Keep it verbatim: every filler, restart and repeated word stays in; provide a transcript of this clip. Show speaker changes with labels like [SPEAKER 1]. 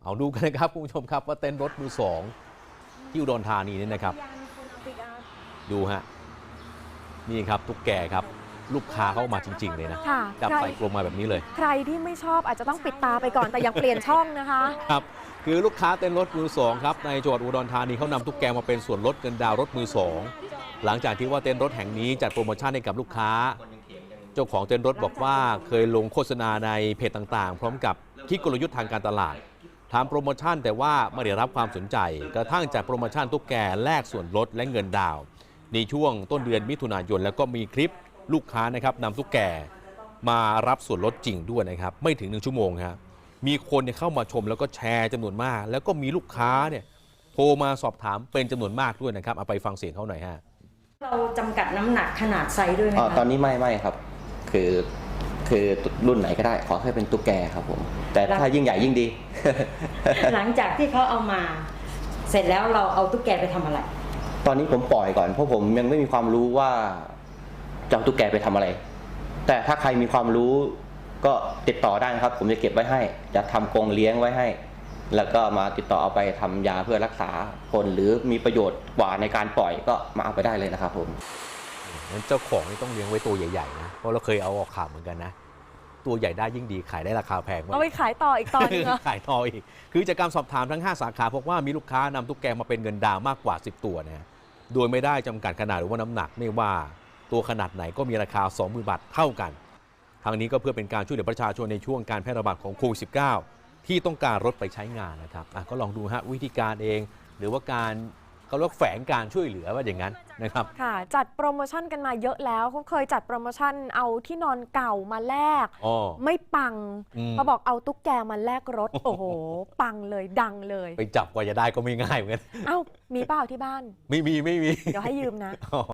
[SPEAKER 1] เอาดูกันนะครับคุณผู้ชมครับว่าเต้นรถมือสองที่อุดรธานีนี่นะครับดูฮะนี่ครับตุ๊กแกครับลูกค้าเข้ามาจริงๆเลยนะจับใส่กรงมาแบบนี้เลย
[SPEAKER 2] ใครที่ไม่ชอบอาจจะต้องปิดตาไปก่อนแต่ยังเปลี่ยนช่องนะคะ
[SPEAKER 1] ครับคือลูกค้าเต้นรถมือสองครับในจังหวัดอุดรธานีเขานำตุ๊กแกมาเป็นส่วนลดเงินดาวรถมือสองหลังจากที่ว่าเต้นรถแห่งนี้จัดโปรโมชั่นให้กับลูกค้าเจ้าของเต้นรถบอกว่าเคยลงโฆษณาในเพจต่างๆพร้อมกับคิดกลยุทธ์ทางการตลาดทำโปรโมชั่นแต่ว่าไม่ได้รับความสนใจกระทั่งจากโปรโมชั่นตุ๊กแกแลกส่วนลดและเงินดาวในช่วงต้นเดือนมิถุนายนแล้วก็มีคลิปลูกค้านะครับนำตุ๊กแกมารับส่วนลดจริงด้วยนะครับไม่ถึงหนึ่งชั่วโมงครับมีคนเข้ามาชมแล้วก็แชร์จำนวนมากแล้วก็มีลูกค้าเนี่ยโทรมาสอบถามเป็นจำนวนมากด้วยนะครับเอาไปฟังเสียงเขาหน่อยฮะ
[SPEAKER 3] เราจำกัดน้ำหนักขนาดไซส์ด้วยไหมคะ
[SPEAKER 4] ตอนนี้ไม่ไม่ครับคือคือรุ่นไหนก็ได้ขอให้เป็นตุ๊กแกครับผมแต่ถ้ายิ่งใหญ่ยิ่งดี
[SPEAKER 3] หลังจากที่เขาเอามาเสร็จแล้วเราเอาตุ๊กแกไปทำอะไร
[SPEAKER 4] ตอนนี้ผมปล่อยก่อนเพราะผมยังไม่มีความรู้ว่าจะเอาตุ๊กแกไปทำอะไรแต่ถ้าใครมีความรู้ก็ติดต่อได้นะครับผมจะเก็บไว้ให้จะทำกรงเลี้ยงไว้ให้แล้วก็มาติดต่อเอาไปทำยาเพื่อรักษาคนหรือมีประโยชน์กว่าในการปล่อยก็มาเอาไปได้เลยนะครับผม
[SPEAKER 1] งั้นเจ้าของนี่ต้องเลี้ยงไว้ตัวใหญ่ๆนะเพราะเราเคยเอาออกข่าวเหมือนกันนะตัวใหญ่ได้ยิ่งดีขายได้ราคาแพงมาก
[SPEAKER 2] เอาไปขายต่ออีกตอนนึง
[SPEAKER 1] ขายต่ออีกคือจากการสอบถามทั้งห้าสาขาพบว่ามีลูกค้านำตุ๊กแกมาเป็นเงินดาวมากกว่าสิบตัวนะโดยไม่ได้จำกัดขนาดหรือว่าน้ำหนักไม่ว่าตัวขนาดไหนก็มีราคา สองหมื่น บาทเท่ากันทางนี้ก็เพื่อเป็นการช่วยเหลือประชาชนในช่วงการแพร่ระบาดของโควิด สิบเก้า ที่ต้องการรถไปใช้งานนะครับก็ลองดูฮะวิธีการเองหรือว่าการเขาเรียกแฝงการช่วยเหลือว่าอย่างนั้นนะครับ
[SPEAKER 2] ค่ะจัดโปรโมชั่นกันมาเยอะแล้วเขาเคยจัดโปรโมชั่นเอาที่นอนเก่ามาแลกไม่ปังเขาบอกเอาตุ๊กแกมาแลกรถโอ้โหปังเลยดังเลย
[SPEAKER 1] ไปจับกว่าจะได้ก็ไม่ง่ายเหมือนกัน
[SPEAKER 2] เอ้ามีเปล่าที่บ้าน
[SPEAKER 1] ไม่มีไม่มี
[SPEAKER 2] เดี๋ยวให้ยืมนะ